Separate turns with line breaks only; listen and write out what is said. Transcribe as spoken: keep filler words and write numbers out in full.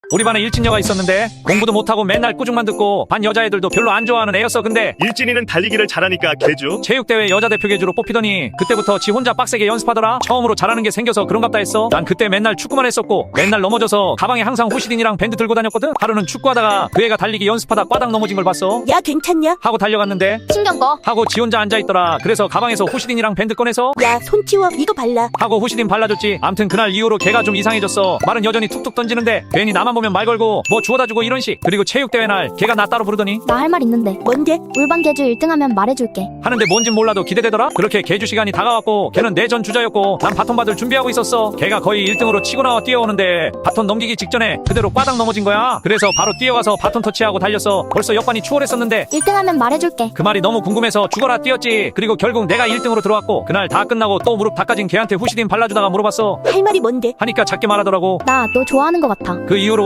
우리 반에 일진녀가 있었는데 공부도 못하고 맨날 꾸중만 듣고 반 여자애들도 별로 안 좋아하는 애였어. 근데
일진이는 달리기를 잘하니까 개주.
체육대회 여자 대표 계주로 뽑히더니 그때부터 지 혼자 빡세게 연습하더라. 처음으로 잘하는 게 생겨서 그런갑다 했어. 난 그때 맨날 축구만 했었고 맨날 넘어져서 가방에 항상 호시딘이랑 밴드 들고 다녔거든. 하루는 축구하다가 그 애가 달리기 연습하다 꽈당 넘어진 걸 봤어.
야 괜찮냐?
하고 달려갔는데
신경 꺼.
하고 지 혼자 앉아있더라. 그래서 가방에서 호시딘이랑 밴드 꺼내서
야 손 치워 이거 발라.
하고 호시딘 발라줬지. 암튼 그날 이후로 걔가 좀 이상해졌어. 말은 여전히 툭툭 던지는데 괜히 나만 보면 말 걸고 뭐 주워다주고 이런 식. 그리고 체육대회 날 걔가 나 따로 부르더니
나 할 말 있는데.
뭔데?
울반 개주 일 등 하면 말해줄게.
하는데 뭔진 몰라도 기대되더라. 그렇게 개주 시간이 다가왔고 걔는 내전 주자였고 난 바톤 받을 준비하고 있었어. 걔가 거의 일 등으로 치고 나와 뛰어오는데 바톤 넘기기 직전에 그대로 꽈당 넘어진 거야. 그래서 바로 뛰어가서 바톤 터치하고 달렸어. 벌써 역반이 추월했었는데
일 등 하면 말해줄게.
그 말이 너무 궁금해서 죽어라 뛰었지. 그리고 결국 내가 일 등으로 들어왔고 그날 다 끝나고 또 무릎 닦아진 걔한테 후시딘 발라주다가 물어봤어.
할 말이 뭔데?
하니까 작게 말하더라고.
나 너 좋아하는 것 같아.
그 이후로